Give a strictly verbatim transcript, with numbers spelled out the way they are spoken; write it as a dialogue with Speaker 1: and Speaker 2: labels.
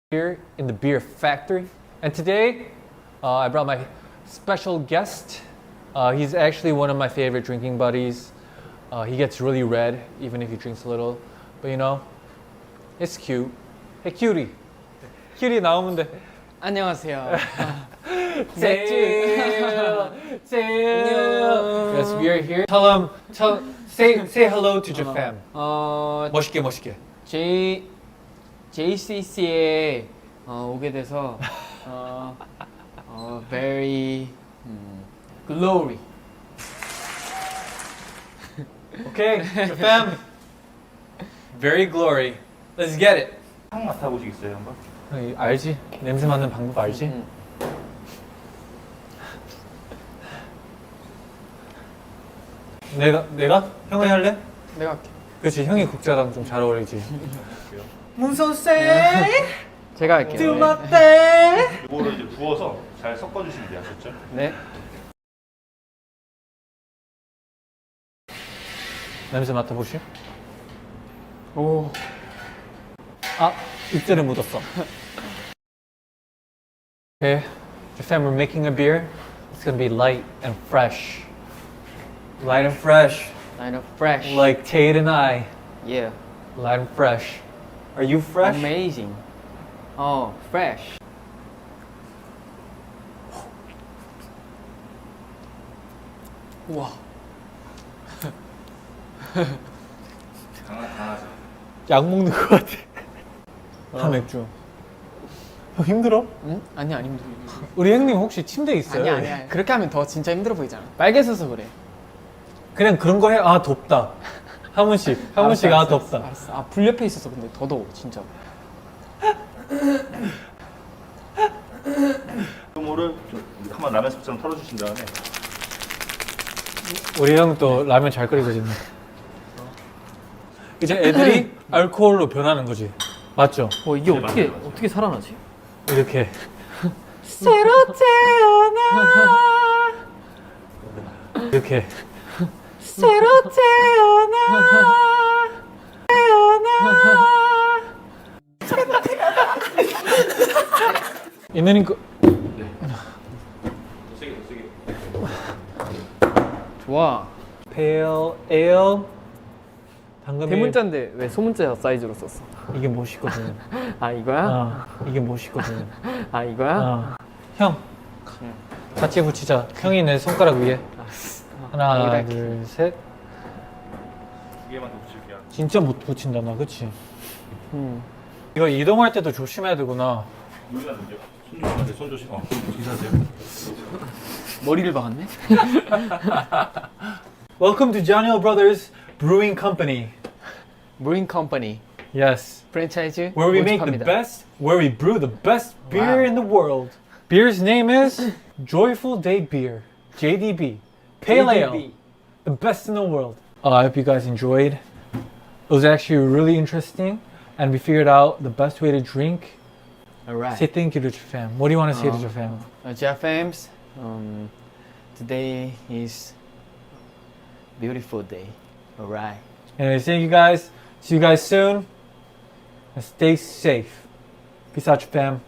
Speaker 1: Here in the beer factory, and today uh, I brought my special guest. Uh, he's actually one of my favorite drinking buddies. Uh, he gets really red even if he drinks a little, but you know, it's cute. Hey, cutie. cutie 나오면 돼.
Speaker 2: 안녕하세요.
Speaker 1: 제일, 제일. Yes, we are here. Tell him, tell, say, say hello to your fam.
Speaker 2: 어,
Speaker 1: 멋있게, 멋있게.
Speaker 2: J 제이씨씨에 어, 오게 돼서 어, 어, very 음, glory.
Speaker 1: Okay, your fam. Very glory. Let's get it.
Speaker 3: 향 맡아보시겠어요 한번?
Speaker 1: 어, 알지? 냄새 맡는 방법 알지?
Speaker 2: 음.
Speaker 1: 내가 내가 형이 할래?
Speaker 2: 내가 할게.
Speaker 1: 그렇지, 형이 국자랑 좀 잘 어울리지.
Speaker 2: 제가 할게요.
Speaker 3: 네. 이거를 이제 부어서 잘 섞어주시면 돼요, 아셨죠?
Speaker 2: 네.
Speaker 1: 냄새 맡아보시.
Speaker 2: 오.
Speaker 1: 아, 입술에 묻었어. Okay, the fam, we're making a beer. It's gonna be light and fresh. Light and fresh,
Speaker 2: Kind of fresh.
Speaker 1: like Tate and I.
Speaker 2: Yeah.
Speaker 1: Light and fresh. Are you fresh?
Speaker 2: Amazing. 어, fresh. 우와.
Speaker 3: 강하, 강하죠.
Speaker 1: 약 먹는 것 같아. 다 맥주. 형 힘들어?
Speaker 2: 응? 아니 아니 힘들어.
Speaker 1: 우리 형님 혹시 침대 있어요?
Speaker 2: 아니 아니 아니. 그렇게 하면 더 진짜 힘들어 보이잖아. 빨개져서 그래.
Speaker 1: 그냥 그런 거 해. 아 덥다. 한 번씩, 한 번씩 아
Speaker 2: 알았어,
Speaker 1: 덥다.
Speaker 2: 알았어. 아, 불 옆에 있어서 근데 더 더워 진짜.
Speaker 3: 효모를 좀 한번 라면 스프처럼 털어주신 다음에
Speaker 1: 우리 형 또 라면 잘 끓이거든요. 이제 애들이 알코올로 변하는 거지. 맞죠?
Speaker 2: 어 이게
Speaker 3: 네,
Speaker 2: 어떻게
Speaker 3: 맞아요, 맞아요.
Speaker 2: 어떻게 살아나지?
Speaker 1: 이렇게.
Speaker 2: 새로 태어나
Speaker 1: 이렇게.
Speaker 2: 새로 태어나
Speaker 1: 있는 거.
Speaker 3: 더 세게 더 세게
Speaker 2: 좋아.
Speaker 1: Pale Ale. 당근이.
Speaker 2: 대문자인데 왜 소문자 사이즈로 썼어?
Speaker 1: 이게 멋있거든.
Speaker 2: 아 이거야?
Speaker 1: 어, 이게 멋있거든.
Speaker 2: 아 이거야?
Speaker 1: 어. 형, 같이 붙이자. 형이 내 손가락 위에. 하나,
Speaker 2: 여기다
Speaker 1: 둘, 셋.
Speaker 3: 두 개만 더 붙일게요.
Speaker 1: 진짜 못 붙인다 나, 그치?
Speaker 2: 음.
Speaker 1: 이거 이동할 때도 조심해야 되구나.
Speaker 3: 여기가 문제. 손 조심하세요. 손 조심. 어, 인사하세요.
Speaker 2: 머리를 박았네?
Speaker 1: Welcome to Janio Brothers Brewing Company.
Speaker 2: 브링 컴퍼니
Speaker 1: Yes,
Speaker 2: 프랜차이즈
Speaker 1: where we make the
Speaker 2: 모집합니다.
Speaker 1: best, where we brew the best beer
Speaker 2: Wow.
Speaker 1: in the world. Beer's name is Joyful Day Beer, J D B, Pale Ale, the best in the world. Uh, I hope you guys enjoyed. It was actually really interesting, and we figured out the best way to drink.
Speaker 2: Alright.
Speaker 1: Say thank you to your fam. What do you want to say to
Speaker 2: Uh,
Speaker 1: your fam?
Speaker 2: Uh, Jeffams, um, today is beautiful day. Alright.
Speaker 1: Anyway, thank you guys. See you guys soon. And stay safe. Peace out, your fam.